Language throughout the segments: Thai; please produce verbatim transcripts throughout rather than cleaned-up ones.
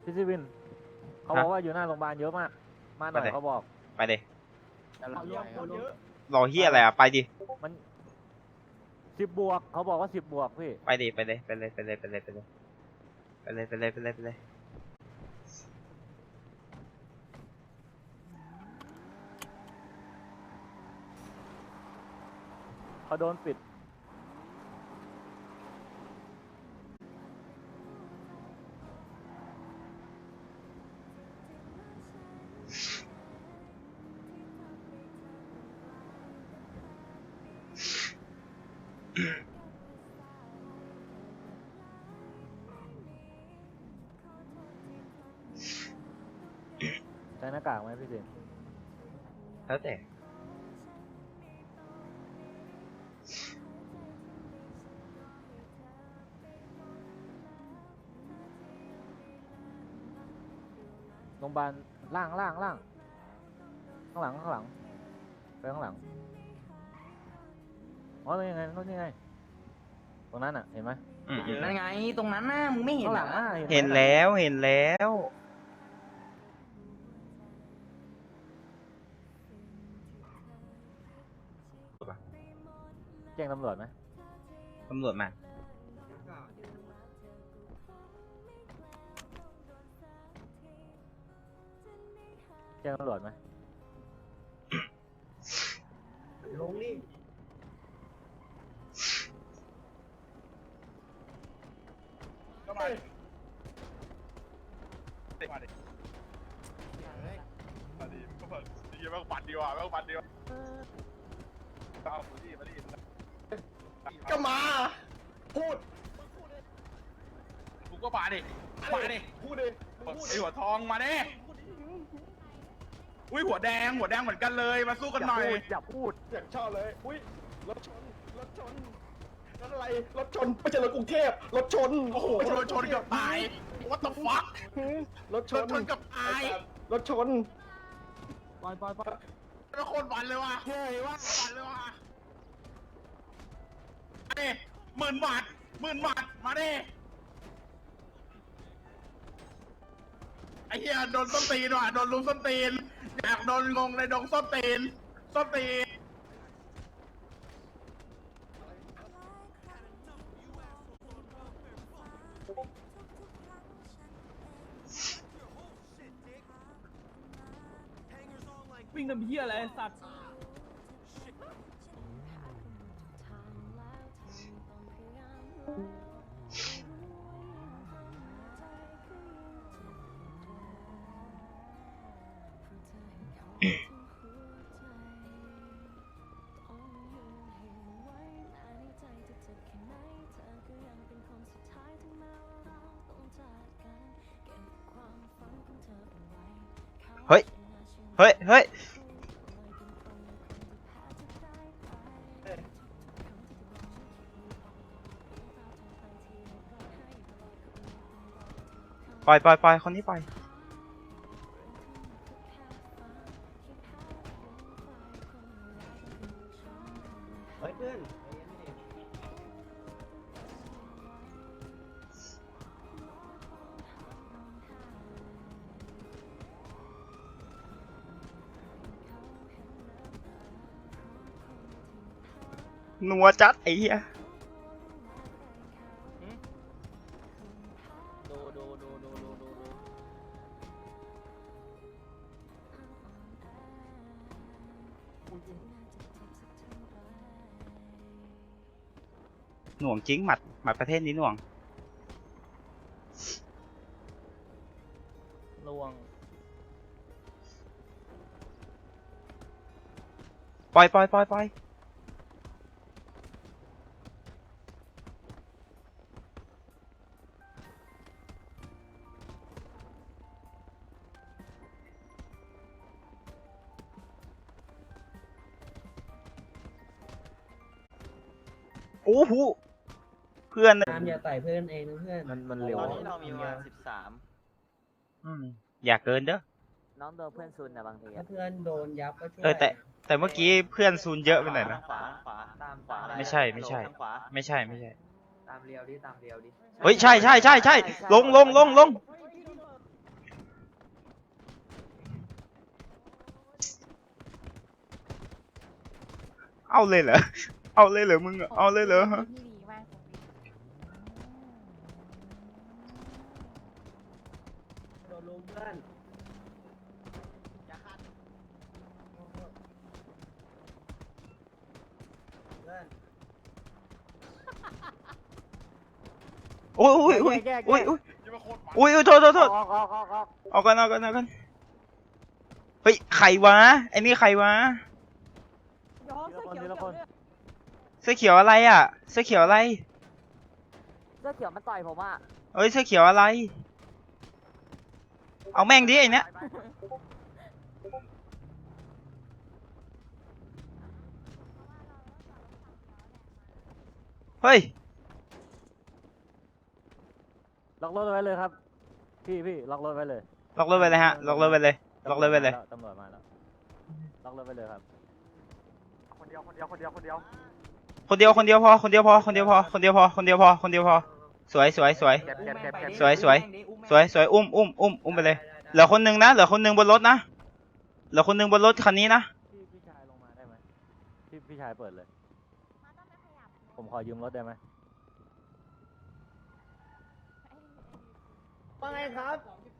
พี่ซีวินเขาบอกว่าอยู่หน้าโรงพยาบาลเยอะมากมาหน่อยเขาบอกไปเลยรอเฮียอะไรอ่ะไปดิมันสิบบวกเขาบอกว่าสิบบวกพี่ไปดิไปเลยไปเลยไปเลยไปเลยไปเลยไปเลยไปเลยไปเลยไปเลยเขาโดนปิดใช้หน้ากากไหมพี่เจนแล้วแต่โรงพยาบาลล่างล่างล่างข้างหลังข้างหลังไปข้างหลังอ๋อนี่ไงนู่นนี่ไงตรงนั้นอ่ะเห็นไหมนั่นไงตรงนั้นน่ะมึงไม่เห็นข้างหหรลัองอ่ะเห็นแล้วเห็นแล้วแจ้งตำรวจไหมตำรวจมาแจ้งตำรวจไหมลงนี่ก็มาดิมาดิมาดิก็มาดิแม่งปัดดีว่ะแม่งปัดดีว่ะเอามาดิมาดิก็มาพูดกูก็มาดิมาดิพูดดิไอหัวทองมาดิอุ้ยหัวแดงหัวแดงเหมือนกันเลยมาสู้กันหน่อยอย่าพูดอยากชอบเลยอุ้ยรถชนรถชนรถอะไรรถชนไม่ใช่รถกรุงเทพรถชนโอ้โหรถชนเกือบตาย What the fuck รถชนชนกับตายรถชนปล่อยปล่อยปล่อยแล้วโคตรฝันเลยว่ะเฮ้ยว่าฝันเลยว่ะมาดิหมื่นบาทหมื่นบาทมาดิไอ้เหี้ยโดนส้นตีนว่ะโดนลุมส้นตีนอยากโดนงงในดงส้นตีนส้นตีนวิ่งน้ำเหี้ยอะไรสัตว์เฮ้ยเฮ้ยเฮ้ยปล่อยปล่อยปล่อยคนนี้ปล่อยเฮ้ยเพื่อนนัวจัดไอ้เหี้ยดูดูดูดูดูดูดูหน่วงจริงหมัดหมัดประเทศนี้หน่วงลวงปล่อยปล่อยปล่อยปล่อยโอ้โหเพื่อนตามอย่าไต่เพื่อนเองนะเพื่อนมันมันเร็วตอนนี้เรามีประมาณสิบสามอืมอย่าเกินเด้อน้องโดนเพื่อนซุนนะบางทีถ้าเพื่อนโดนยับก็ช่วยเออแต่แต่เมื่อกี้เพื่อนซูนเยอะไปหน่อยนะขวาขวาตามขวาไม่ใช่ไม่ใช่ทางขวาไม่ใช่ไม่ใช่ตามเรียวดิตามเรียวดิเฮ้ยใช่ใช่ใช่ใช่ลงลงลงลงเอาเลยเหรอเอาเลยเหรอมึงอะเอาเลยเหรอพี่ดีมากผมดีโดนลุมเพื่อนเพื่อนโอ้ยโอ้ยโอ้ยแยกๆๆโอ้ยโอ้ยโอ้ยโอ้ยโทษโทษโทษออกออกออกออกเอากันเอากันเอากันเฮ้ยใครวะไอ้นี่ใครวะย้อมทีเสื้ละอคนเขียวทีละคนเสื้อเขียวอะไรอ่ะเสื้อเขียวอะไรเสื้อเขียวมันต่อยผมอ่ะเอ้ยเสื้อเขียวอะไร เอาแม่งดิไอ้เนี้ยเฮ้ยล็อกรถไว้เลยครับ พี่พี่ล็อกรถไว้เลยล็อกรถไปเลยฮะล็อกรถไปเลยล็อกรถไปเลยตำรวจมาแล้วล็อกรถไปเลยครับ คนเดียวคนเดียวคนเดียวคนเดียวคนเดียวคนเดียวพอคนเดียวพอคนเดียวพอคนเดียวพอคนเดียวพอคนเดียวพอสวยสวยสวยเก็บเก็บเก็บเก็บสวยสวย สวยสวยอุ้มอุ้มอุ้มอุ้มไปเลยเหลือคนหนึงนะเหลือคนหนึงบนรถนะเหลือคนหนึงบนรถคันนี้นะพี่พี่ชายลงมาได้ไหมพี่พี่ชายเปิดเลย ผมขอยืมรถได้ไหมว่าไงครับ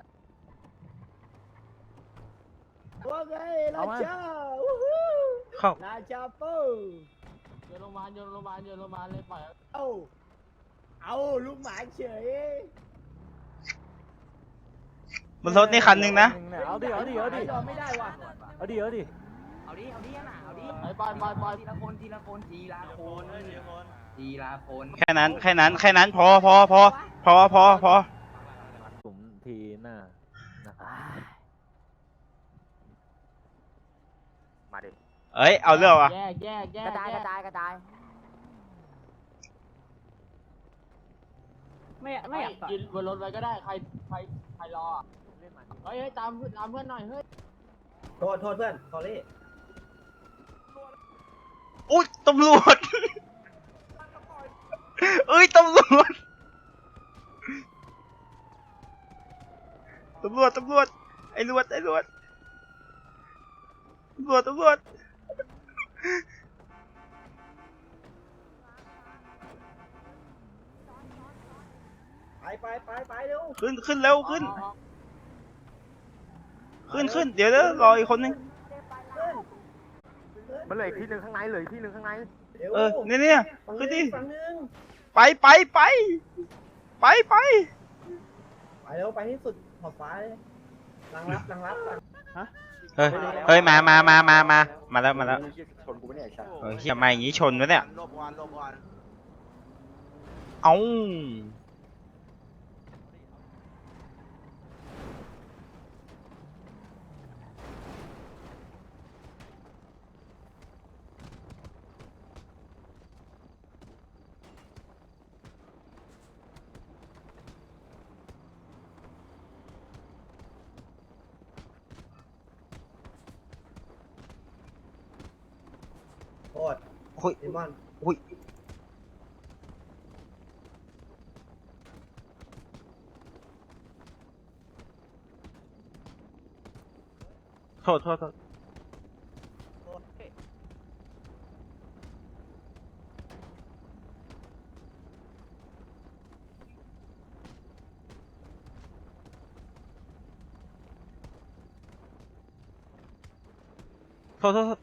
ว่าไงราชาวู้ฮู้เข้าราชาปูโยนโรงพยาบาลโยนโรงพยาบาลโยนโรงพยาบาลเลยปล่อยเอาเอาลูกหมาเฉยบนรถนี่คันหนึงนะเอาดิเอาดิเอาดิยอมไม่ได้ว่ะเอาดิเอาดิเอาดิเอาดิอ่ะเอาดิไปไปไปไปทีละคนทีละคนทีละคนทีละคนแค่นั้นแค่นั้นแค่นั้นพอพอพอพอพอพอกลุ่มทีหน้านะครับมาดิเอ้ยเอาเรื่องวะแยกแยกแยกกระจายแยกระจายกระจายไม่ไม่อยากต่อยยืนบนรถไว้ก็ได้ใครใครใครรออะเฮ้ยเฮ้ยตามตามเพื่อนหน่อยเฮ้ยโทษโทษเพื่อนสอรี่อุ้ยตำรวจเอ้ยตำรวจตำรวจตำรวจไอ้รวจไอ้รวจตำรวจตำรวจไปไปไปไปเร็วขึ้นขึ้นเร็วขึ้นขึ้นขึ้นเดี๋ยวเดี๋ยวรออีกคนนึงมันเหลืออีกที่หนึ่งข้างในเหลืออีกที่หนึ่งข้างในเร็วเออเนี่ยเนี่ยฝั่งขึ้นนึดิงฝั่งนึงไปไปไปไปไปไปเร็วไปที่สุดขอบฟ้าเลยรังรับรังรับก่อนเฮ้ยเฮ้ยมามามามามามาแล้วมาแล้วชนกูไม่ได้ใช่เฮ้ยเฮียมาอย่างงี้ชนวะเนี่ยลบก่อนลบก่อนเอ้าโทษโอ้ยเดมอนอุ้ยโทษโทษโทษโทษโทษโทษโทษ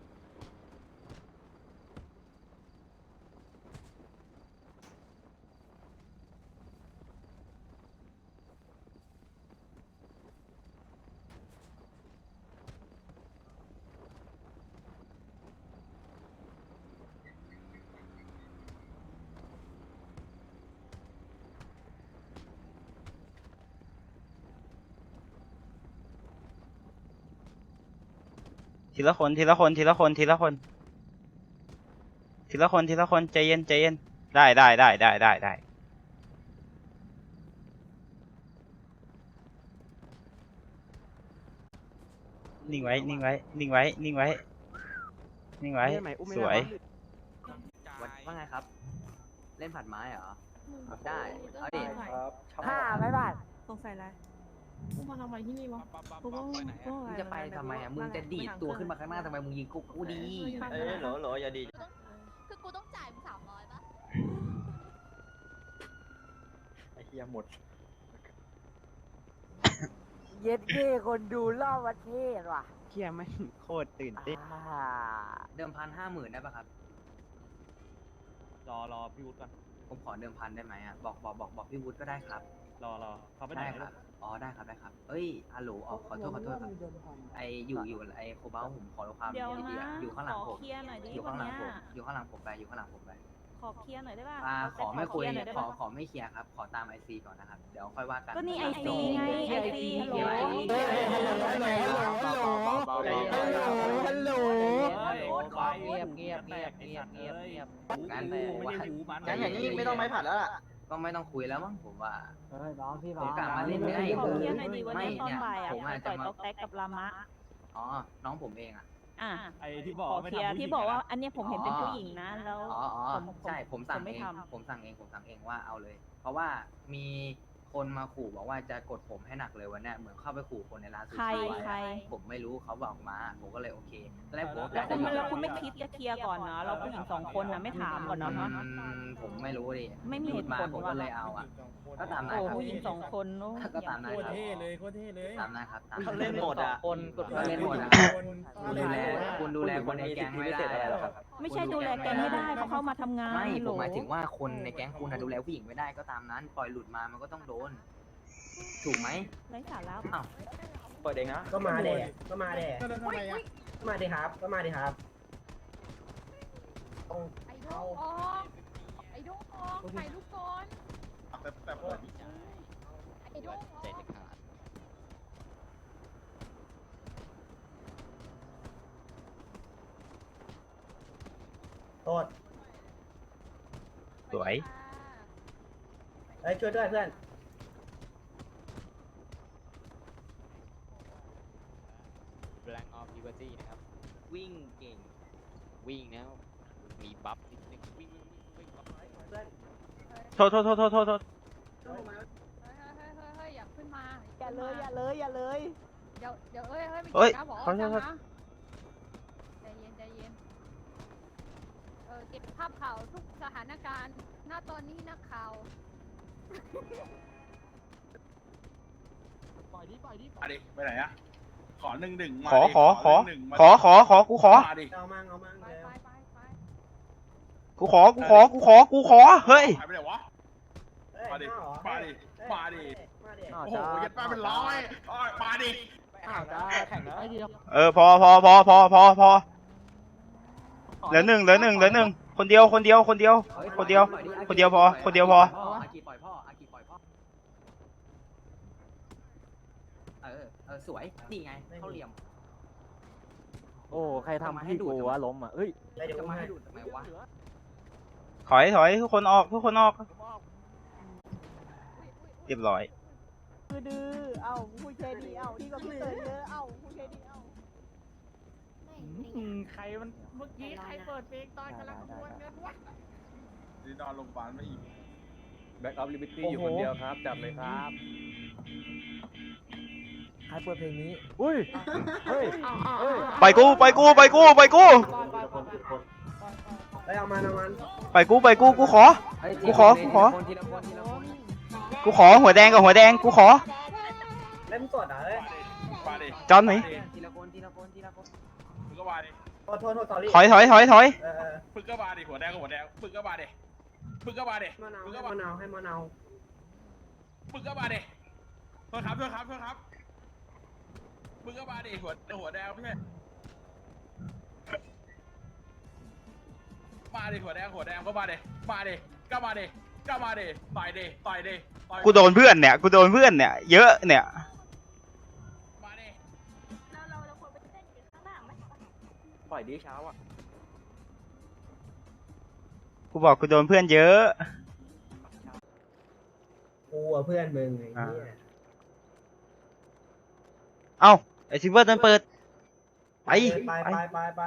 ทีละคนทีละคนทีละคนทีละคนทีละคนทีละคนใจเย็นใจเย็นได้ได้ได้ได้ได้ได้นิ่งไว้นิ่งไว้นิ่งไว้นิ่งไว้นิ่งไว้สวยว่าไงครับ เล่นผัดไม้เหรอ ได้เอาดิครับห้าไม่บาทสงสัยอะไรกูมาทำอะไรที่นี่วะกูก็กูมึงจะไปทำไมอ่ะมึงจะดีดตัวขึ้นมาข้างหน้าทำไมมึงยิงกูกูดีเอ้ยโหลโหลอย่าดีคือกูต้องจ่ายมึงสามร้อยปะไอ้เหี้ยหมดเย็ดเก้คนดูรอบประเทศว่ะเฮียไม่งโคตรตื่นเต้นอ่าเดิมพันห้าหมื่นได้ปะครับรอรอพี่วุฒิก่อนผมขอเดิมพันได้ไหมอ่ะบอกบอกบอกบอกพี่วุฒิก็ได้ครับรอรอเขาไปไหนได้ไม่ครู้รับอ๋อได้ครับได้ครับเอ้ยฮัลโหลอ๋อขอโทษขอโทษครับไออยู่อยู่ไอโคบ้าผมขอความเดี๋ยวดีนะๆอยู่ข้างหลังขผอมเคลียร์หน่อยดิอยู่วัข้าน งหลังเนี้ยผมอยู่ข้างหลังผมไปอยู่ข้างหลังผมไปขอเคลียร์หน่อยได้ป่ะอ่าขอไม่คุยหน่อยได้ขอปะขอไม่เคลียร์ครับขอตามไอซีก่อนนะครับเดี๋ยวค่อยว่ากันก็นี่ไอซีไงไอซีฮัลโหลฮัลโหลเงียบเงียบเงียบเงียบเงียบเงียบงั้นไม่ผมได้ว่าหูมันงั้นอย่างนี้ไม่ต้องไม้ผัดแล้วล่ะก็ไม่ต้องคุยแล้วมั้งผมว่าเฮ้ยน้องพี่ผมกลับมาเล่นได้ขอคือเคลียร์หน่อยดิวันไม่นี้ตอนเนี่ยบ่ายอ่ะผมไปอาจต่จะอยมาต๊อกแต๊กกับลามะอ๋อน้องผมเองอ่ะอ่ะไอ้ที่บอกขอไม่เคลียร์ทำผู้หญิงที่บอกว่าะอันเนี้ยผมเห็นเป็นผู้หญิงนะแล้วอ๋ออ๋อผมใช่ผมสั่งผมไม่เองทำผมสั่งเองผมสั่งเองว่าเอาเลย เพราะว่ามีคนมาขู่บอกว่าจะกดผมให้หนักเลยวันเนี้ยเหมือนเข้าไปขู่คนในร้านซูใครชิไว้ใครอะผมไม่รู้เขาบอกมาผมก็เลยโอเคแล้วผมแล้วคุณแล้วคุณไม่คิดจะเคลียร์ก่อนเนาะเราผู้หญิงสองคนนะไม่ถามก่อนเนาะอืมผมไม่รู้ดิไม่มีหเหลุดตุมาผลผมว่ะก็เลยเอาอ่ะก็ตามนั้นโอ้ครับผู้หญิงสองคนโอ้ก็ตามนั้นอย่ครับพูดเลยโคตรเท่เลยตามนั้นครับตามเขาเล่นหมดอ่ะคนกดก็เล่นหมดอ่ะคนคุณดูแลคุณดูแลคนในแก๊งไม่ได้อะไม่ใช่ดูแลแกงไม่ได้เขาเข้ามาทำงานไม่ฮัลผโหลมหมายถึงว่าคนในแก๊งคุณน่ะดูแลผู้หญิงไม่ได้ก็ตามนั้น ปล่อยหลุดมามันก็ต้องโดน ถูกไหมไร้สาระอ้าวเปิดเองนะก็มาเด็ก็มาเด็อุ้ยอุ้ยก็มาดิครับ ก็มาดิครับต้องไอ้ดงออกไอ้ดงออกถ่ายรูปก่อนไอ้ดงออกโทษสวยเฮ้ยช่วยด้วยเพื่อน Blank of Liberty นะครับ วิ่งเก่ง วิ่งแล้วมีบัฟนิดนึงวิ่งวิ่งวิ่งบัฟโทษโทษโทษโทษโทษโทษเฮ้ยเฮ้ยเฮ้ยเฮ้ยเฮ้ยอย่าขึ้นมาอย่าเลยอย่าเลยอย่าเลยเดี๋ยวเดี๋ยวเฮ้ยเฮ้ยไม่เฮ้ยเกี่ยวนะบอกขอว่าโทษจังนะใจเย็นใจเย็นเออเก็บภาพข่าวทุกสถานการณ์หน้าตอนนี้นักข่าวมาดิไปไหนอะขอหนึ่งหนึ่งขอขอขอขอขอขอกูขอมาดิเอามั่งเอามั่งไปเร็วไปไปไปกูขอกูขอกูขอกูขอเฮ้ยหายไปไหนวะเฮ้ยมาดิห้เหรอมาดิเฮ้ยมาดิมาดิโอ้โหยัดป้าเป็นร้อยโอ้ยมาดิอ้าวจ้าแข่งแล้วเออพอพอพอพอพอพอเหลือหนึ่งเหลือหนึ่งเหลือหนึ่งคนเดียวคนเดียวคนเดียวฮ้คนเดียวปล่อคนเดียวพอคนเดียวพออากิปล่อยพ่ออากิปล่อยพ่อเออเออสวยนี่ไงเข้าเหลี่ยมโอ้ใครทำพี่กูวะล้มอ่ะเอ้ยไปเดี๋ยวจะกูมาให้ให้ดูดทำไมวะถอยถอยทุกคนออกทุกคนออกเรียบร้อยคือดื้อเอ้าพูดเคดีเอ้าที่ก็พี่เตยเยอะเอ้าพูดเคดีเอ้าใครมันเมื่อกี้ใครเปิดเพลงตอนกำลังขบวนเงินวะนี่นอนโรงพยาบาลไม่อีกแบ็กออฟลิเบอร์ตี้อยู่คนเดียวครับจับเลยครับใครเปิดเพลงนี้อุ้ยเฮ้ยเฮ้ยไปกูไปกูไปกูไปกูไปเอามันเอามันไปกูไปกูกูขอเฮ้ยกูขอกูขอทีละคนทีละคนกูขอหัวแดงกับหัวแดงกูขอเล่นสดอ่ะเอ้ยมาดิจอนไหนทีละคนทีละคนทีละคนมึงก็มาดิโทษโทษโทษสอรี่ถอยถอยถอยถอยเออเออมึงก็มาดิหัวแดงกับหัวแดงมึงก็มาดิมึงก็มาดิมะนาวมึงให้ก็มามะนาวให้มะนาวมึงก็มาดิโทษครับโทษครับโทษครับมึงก็มาดิหัวหัวแดงไม่ใช่มาดิหัวแดงหัวแดงก็มาดิมาดิก็มาดิก็มาดิต่อยดิต่อยดิต่อยกูโดนเพื่อนเนี่ยกูโดนเพื่อนเนี่ยเยอะเนี่ยมาดิเราเราเราควรไปเต้นอยู่ข้างหน้าไหมปล่อยดีเช้าอ่ะกูบอกกูโดนเพื่อนเยอะกูอ่ะเพื่อนมึงไอ้เหี้ยเอ้าไอซิเวอร์ตันเปิดไปไปไปไปไปไป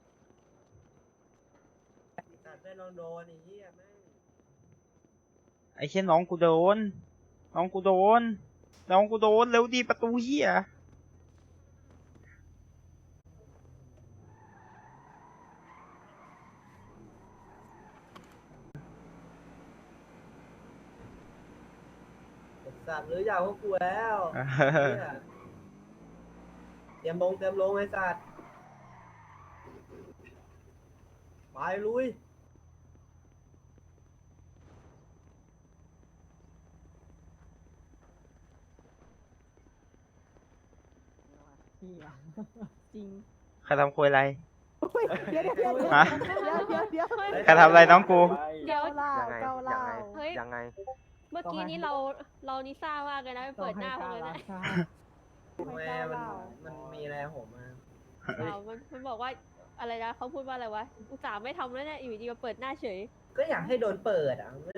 ตัดเพื่อนลองโดนไอ้เหี้ยแม่งไอเช่นน้องกูโดนน้องกูโดนน้องกูโดนเร็วดีประตูเหี้ยสัตว์หรืออยากพวกกูแล้วเนี่ยเตรียมลงเตรียมลงไอ้สัตว์ไปลุยเหี้ยจริงใครทำคุยอะไรเดี๋ยวเดี๋ยวเดี๋ยวเดี๋ยวฮะเดี๋ยวเดี๋ยวเดี๋ยวใครทำอะไรน้องกูเดี๋ยวเล่ายังไงเกายัเล่างไงเฮ้ยยังไงเมื่อกี้นี้เราเรานิซ่ามากเลยนะไปเปิดหน้าผมเลยนะแม่มันมันมีอะไรผมมาอ้าวมันมันบอกว่าอะไรนะเขาพูดว่าอะไรวะอุตส่าห์ไม่ทำแล้วเนี่ยอยู่ดีมาเปิดหน้าเฉยก็อยากให้โดนเปิดอ่ะไม่ได้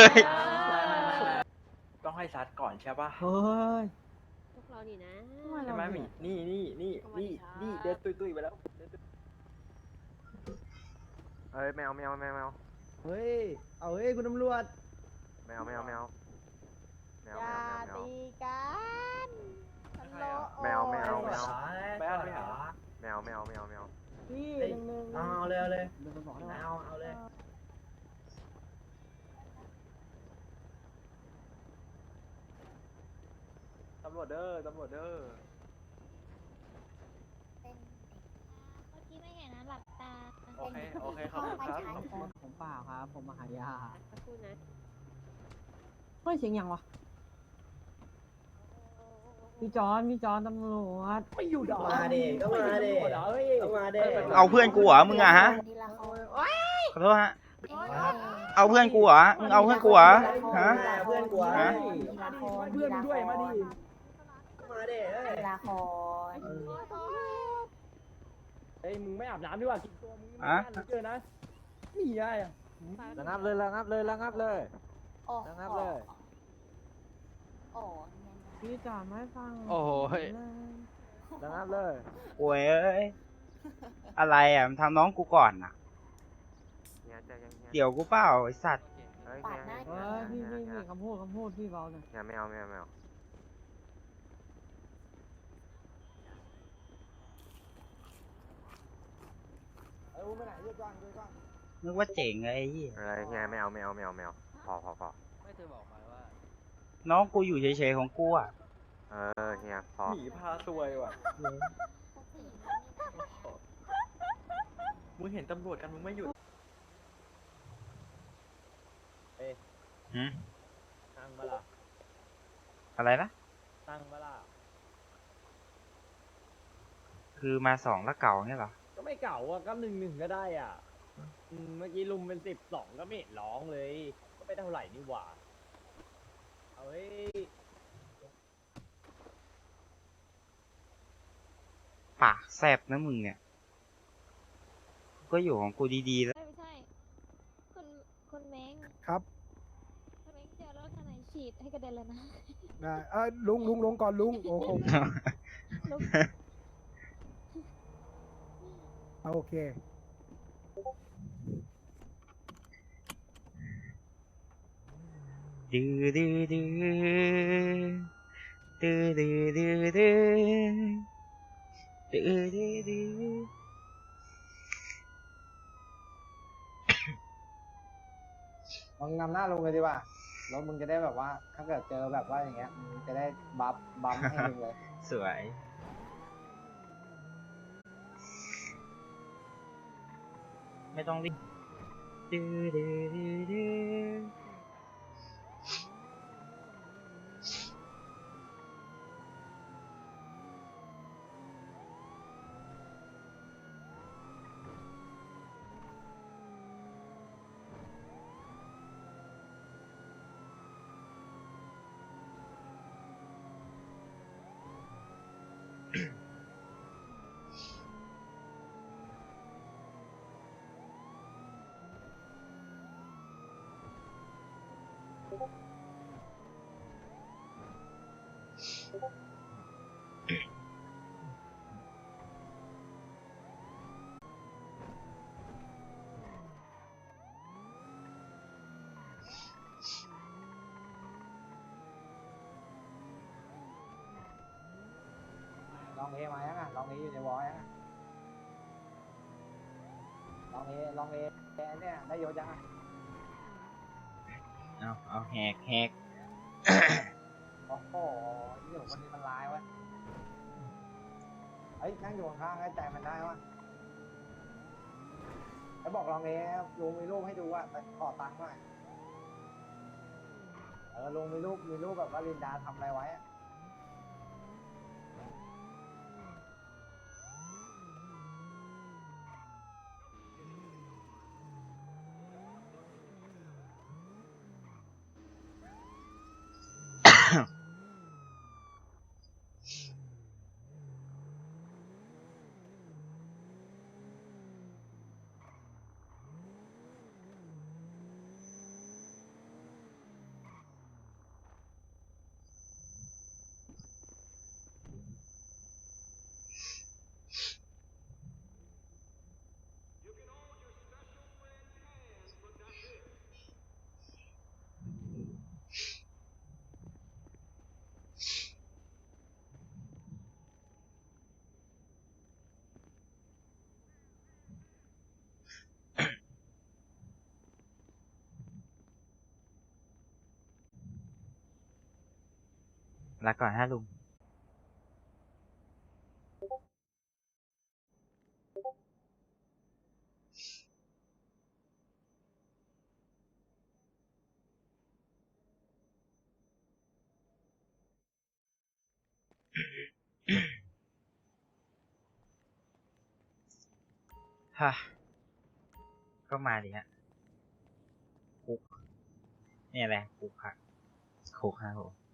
ต้องให้ซัดก่อนใช่ปะเฮ้ยพวกเรานี่นะใช่ไหมหมีนี่นี่นี่นี่นี่เดินตุยตุยๆไปแล้วเอ้ยแมวแมวแมวแมวเฮ้ยเอาเฮ้ยคุณตำรวจแมวแมวแมวแมวอแมย่าวแมวแมวตีกันฮัลโหลแมวแมวแมวไปเอาไปหาแมวแมวแมวแมวพี่หนึ่งหนึ่งเอาเลยเอาเลยเดี๋ยวผมบอกให้เอาเอาเลยตำรวจเด้อตำรวจเด้อเมื่อกี้ไม่เห็นนะหลับตาโอเคโอเคขอบคุณครับผมเปล่าครับ ผมมาหายาสักครู่นะเฮ้ยเสียงยังวะพี่จอนพี่จอนตำรวจไม่อยู่ดอกมาดิก็มาดิก็มาดิเอาเพื่อนกูเหรอมึงอะฮะขอโทษฮะ เอาเพื่อนกูเหรอมึงเอาเพื่อนกูเหรอฮะเพื่อนกูฮะเพื่อนด้วยมาดิมาดิเอ้ยละครเฮ้ยมึงไม่อาบน้ำดีกว่ากินตัวมึงอะเจอนะนี่ไงระงับเลยระงับเลยระงับเลยระงับเลยพี่จอนไม่ฟังโอ้โหเฮ้ยระงับเลยโอ้ยเอ้ย อะไรอ่ะมันทำน้องกูก่อนอ่ะเฮียใจเย็นเฮียเดี๋ยวกูเปล่าไอสัตว์เฮ้ยเฮียเฮียเฮ้ยพี่พี่พี่คำพูดคำพูดพี่เบาหน่อยเฮียแมวแมวแมวเอ้ยไปไหนเยอะกว้างเยอะกว้างนึกว่าเจ๋งไงไอ้เหี้ยอะไรเฮียแมวแมวแมวแมวพอพอพอไม่เธอบอกมาว่าน้องกูอยู่เฉยๆของกูอ่ะเออเฮียพอหมีพาซวยว่ะมึงเห็นตำรวจกันมึงไม่หยุดหืมตั้งมาละอะไรนะตั้งมาละคือมาสองแล้วเก่าเนี่ยเหรอก็ไม่เก่าอ่ะก็หนึ่งหนึ่งก็ได้อ่ะอืมเมื่อกี้ลุมเป็นสิบสองก็ไม่เห็นร้องเลย ก็ไม่เท่าไหร่นี่หว่าเอาเฮ้ยปากแซบนะมึงเนี่ย ก็อยู่ของกูดีๆแล้วไม่ใช่ คุณคุณเม้งครับคุณเม้งเจอรถคันไหนฉีดให้กระเด็นเลยนะได้เออลุงลุงลงก่อนลุงโอ้โหลุกเอาโอเคดื้อดื้อดื้อดื้อดื้อดื้อดื้อดื้อดื้อดื้อมึงนำหน้าลงเลยดีกว่าแล้วมึงจะได้แบบว่า ถ้าเกิดเจอแบบว่าอย่างเงี้ยมึงจะได้บัฟบัฟให้มึงเลยสวย ไม่ต้องรีบดื้อดื้อดื้อดื้อลองเอมายังอ่ะลองเออยู่ในวอลยังอ่ะลองเอลองเอเนี่ยได้โยนยังอ่ะเอาเอาแหกแหกโอ้โหนี่คนนี้มันร้ายวะเฮ้ยนั่งอยู่ข้างๆให้ใจมันได้วะแล้วบอกลองเอลุงมีรูปให้ดูอ่ะแต่ขอตังค์หน่อยเออลุงมีรูปมีรูปแบบว่าลินดาทำอะไรไว้อะลาก่อนฮะลุง ฮะ ก็มาดิฮะคุกเนี่ยแหละคุกค่ะคุกครับผม